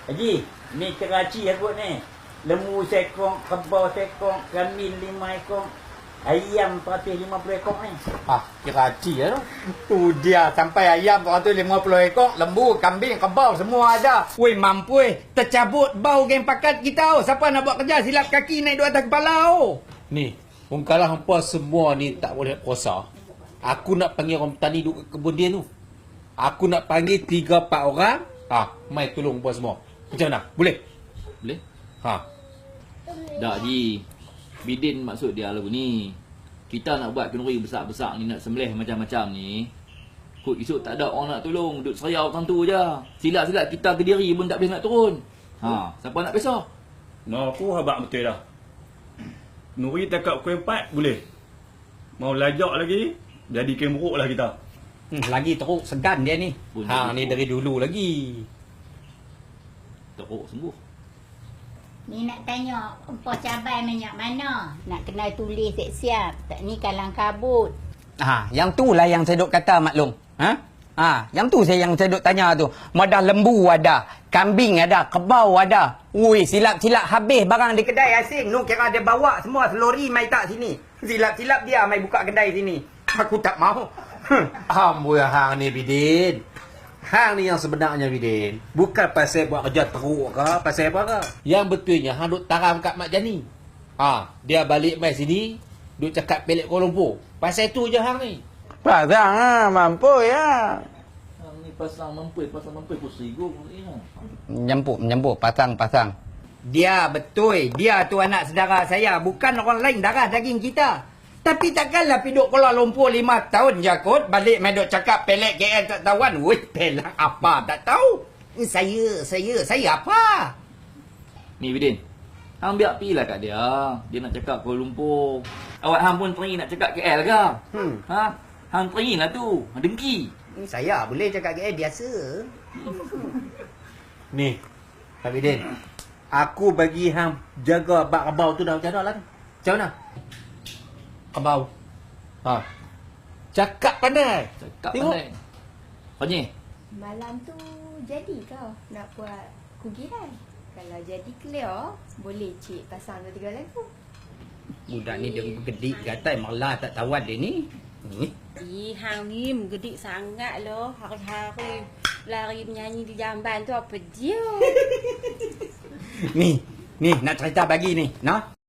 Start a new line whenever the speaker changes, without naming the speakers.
Haji, ni Keraci aku ni. Lembu sekong, kebau sekong, kambing 5 ekor, ayam 150 ekor ni.
Keraci tu. Tu dia sampai ayam 150 ekor, lembu, kambing, kebau semua ada. Woi mampu tercabut bau geng pakat kita. Siapa nak buat kerja silap kaki naik di atas kepala.
Ni, kalau hampa semua ni tak boleh kuasa, aku nak panggil orang petani duduk kat kebun dia tu. Aku nak panggil 3-4 orang. Mai tolong hampa semua. Macam mana? Boleh?
Boleh? Tak, Ji. Bidin maksud dia lagu ni. Kita nak buat kenduri besar-besar ni, nak sembelih macam-macam ni. Kut esok tak ada orang nak tolong. Duduk seriau orang tu je. Silat-silat kita ke diri pun tak boleh nak turun. Siapa nak pisah?
No, aku habaq betul dah. Nuri takap pukul 4 boleh. Mau lajak lagi, jadi kemuruk lah kita.
Lagi teruk segan dia ni.
Ni dari dulu lagi.
Teruk sembuh.
Ni nak tanya, empoh cabai minyak mana? Nak kena tulis siap-siap. Tak ni kalang kabut.
Yang tu lah yang saya duk kata maklum. Yang tu yang saya duk tanya tu. Madah lembu ada, kambing ada, kebau ada. Ui, silap-silap habis barang di kedai asing. Nu kira dia bawa semua selori mai tak sini. Silap-silap dia mai buka kedai sini. Aku tak mau.
Amboi hang ni Bidin. Hang ni yang sebenarnya Bidin. Bukan pasal buat kerja teruk ke, pasal apa ke. Yang betulnya hang duk taram kat Mak Jani. Dia balik mai sini, duk cakap pelik Kuala Lumpur. Pasal tu je hang ni.
Pasang mampu ya.
Hang ni pasang mempui pusing ni.
Menyambut, pasang. Dia betul, dia tu anak saudara saya, bukan orang lain darah daging kita. Tapi takkanlah piduk Kuala Lumpur 5 tahun je kot, balik main duk cakap pelek KL tak tahuan. Wih, pelak apa tak tahu. Saya apa?
Ni Bidin. Hang biar pilah kat dia. Dia nak cakap Kuala Lumpur. Awak hang pun teringin nak cakap KL ke? Hang teringin lah tu. Hang dengki.
Saya boleh cakap KL biasa.
Ni, Pak Bidin. Aku bagi hang jaga bak kebau tu dah macam mana lah ni? Macam mana? Kebau. Cakap pandai. Tengok.
Pandai. Panyi.
Malam tu jadi kau nak buat kugiran? Kalau jadi clear, boleh cik pasang 2-3 lagu.
Budak ni dia bergedik gatai malah tak tahuan dia ni.
Hang ni menggedik sangat loh. Hari-hari lari menyanyi di jamban tu apa dia?
Ni nak cerita bagi ni, nah.